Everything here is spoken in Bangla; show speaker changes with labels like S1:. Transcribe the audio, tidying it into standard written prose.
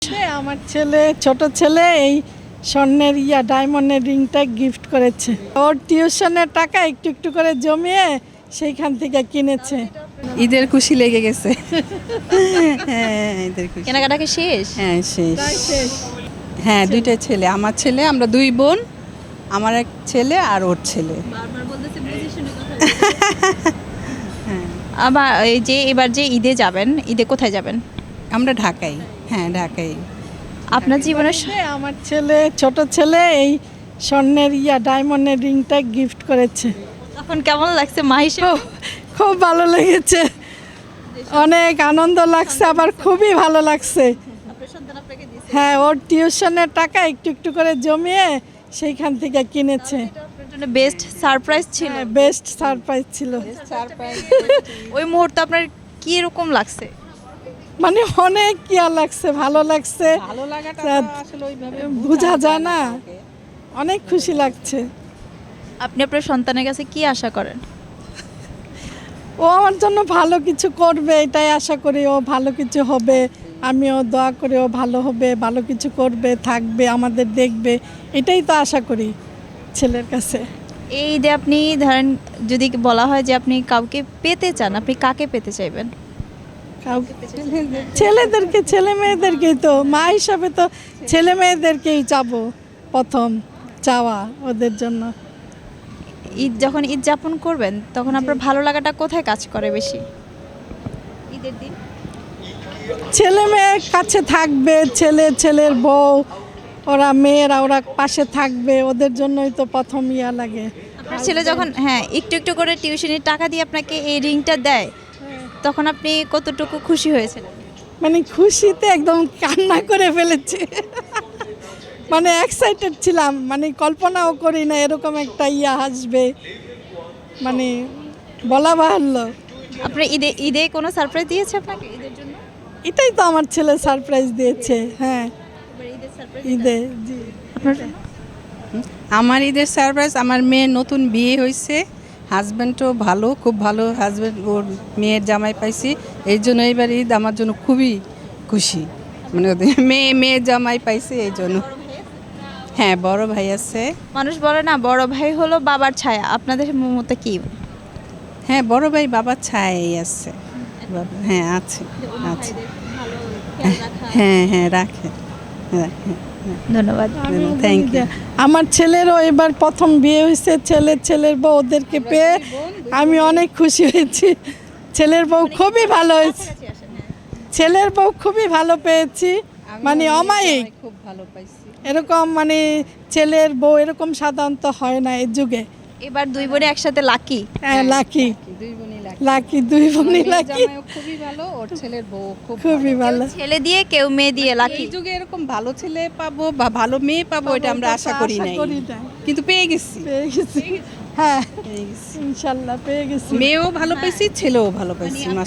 S1: আমার ছোট ছেলে এই স্বর্ণের ডায়মন্ডের রিংটা গিফট করেছে। ওর টিউশনের টাকা একটু একটু করে জমিয়ে সেইখান থেকে কিনেছে।
S2: ঈদের খুশি লেগে গেছে। হ্যাঁ, ঈদের খুশি।
S3: কেনাকাটা কি শেষ?
S2: হ্যাঁ, শেষ।
S1: তাই শেষ।
S2: হ্যাঁ, দুইটা ছেলে, আমার ছেলে, আমরা দুই বোন, আমার এক ছেলে আর ওর ছেলে।
S3: আবার এই যে এবার যে ঈদে যাবেন, ঈদে কোথায় যাবেন?
S2: আমরা ঢাকায়। হ্যাঁ, ঢাকায়।
S3: আপনার জীবনের
S1: আমার ছোট ছেলে এই স্বর্ণের ডায়মন্ডের রিংটা গিফট করেছে।
S3: তখন কেমন লাগছে মা হিসেবে?
S1: খুব ভালো লেগেছে, অনেক আনন্দ লাগছে, আবার খুবই ভালো লাগছে। হ্যাঁ, ওর টিউশনের টাকা একটু একটু করে জমিয়ে সেইখান থেকে কিনেছে।
S3: আপনার জন্য বেস্ট সারপ্রাইজ ছিল।
S1: বেস্ট সারপ্রাইজ ছিল।
S3: ওই মুহূর্তে আপনার কি রকম লাগছে?
S1: মানে অনেক লাগছে, ভালো লাগছে,
S2: ভালো লাগাটা আসলে ওইভাবে
S1: বোঝা যায় না, অনেক খুশি লাগছে।
S3: আপনি আপনার সন্তানের কাছে কি আশা করেন?
S1: ও আমার জন্য ভালো কিছু করবে, এটাই আশা করি। ও ভালো কিছু হবে, আমিও দোয়া করি ও ভালো হবে, ভালো কিছু করবে, থাকবে, আমাদের দেখবে, এটাই তো আশা করি ছেলের কাছে।
S3: এই ঈদে আপনি ধরেন যদি বলা হয় যে আপনি কাউকে পেতে চান, আপনি কাকে পেতে চাইবেন?
S1: ছেলেদেরকে, ছেলে মেয়েদেরকেই তো, মা হিসাবে তো ছেলে মেয়েদেরকেই চাবো, প্রথম চাওয়া ওদের জন্য।
S3: ঈদ যখন ঈদ যাপন করবেন তখন আপনার ভালো লাগাটা কোথায় কাজ করে বেশি? ঈদের দিন
S1: ছেলে মেয়ের কাছে থাকবে, ছেলের বউ, ওরা মেয়েরা, ওরা পাশে থাকবে, ওদের জন্যই তো প্রথম লাগে।
S3: আপনার ছেলে যখন একটু একটু করে টিউশনির টাকা দিয়ে আপনাকে এই রিংটা দেয়, তখন আপনি কতটুকু খুশি হয়েছিলেন?
S1: মানে খুশিতে একদম কান্না করে ফেলেছে। মানে এক্সাইটেড ছিলাম, মানে কল্পনাও করি না এরকম একটা আসবে, মানে বলা বাহুল্য।
S3: আপনার ঈদে কোনো সারপ্রাইজ দিয়েছে আপনাকে ঈদের জন্য?
S1: এটাই তো আমার ছেলে সারপ্রাইজ দিয়েছে। হ্যাঁ, ঈদে জি।
S3: আপনার জন্য?
S2: আমার ঈদের সারপ্রাইজ, আমার মেয়ের নতুন বিয়ে হয়েছে, হাজব্যান্ডও ভালো, খুব ভালো হাজব্যান্ড, ওর মেয়ের জামাই পাইছি, এই জন্য এইবার ঈদ আমার জন্য খুবই খুশি। মানে ওদের মেয়ের জামাই পাইছে এই জন্য। হ্যাঁ, বড় ভাই আছে।
S3: মানুষ বলে না বড় ভাই হলো বাবার ছায়া, আপনাদের মতে কি?
S2: হ্যাঁ, বড় ভাই বাবার ছায়াই আছে। হ্যাঁ, আছে আছে। হ্যাঁ হ্যাঁ, রাখে রাখে।
S3: ধন্যবাদ।
S2: Thank you.
S1: আমার ছেলেরও এবার প্রথম বিয়ে হয়েছে, ছেলের বউ, ওদেরকে পেয়ে আমি অনেক খুশি হয়েছি। ছেলের বউ খুবই ভালো হয়েছে, ছেলের বউ খুবই ভালো পেয়েছি, মানে অমায়িক।
S2: খুব ভালো পাইছি
S1: এরকম মানে ছেলের বউ এরকম সাধারণত হয় না এই যুগে।
S3: এবার দুই বোনে একসাথে লাকি।
S1: হ্যাঁ, লাকি,
S2: দুই বোনই
S1: লাকি, দুই বোনই লাকি,
S2: খুবই ভালো, ওর ছেলের বউ
S1: খুবই ভালো।
S3: ছেলে দিয়ে কেউ মেয়ে দিয়ে লাকি।
S2: এই যুগে এরকম ভালো ছেলে পাবো বা ভালো মেয়ে পাবো এটা আমরা আশা করি নাই, কিন্তু পেয়ে গেছি।
S1: হ্যাঁ,
S2: পেয়ে গেছি।
S1: ইনশাল্লাহ পেয়ে গেছি।
S2: মেয়েও ভালো পাইছি, ছেলেও ভালো পাইছি।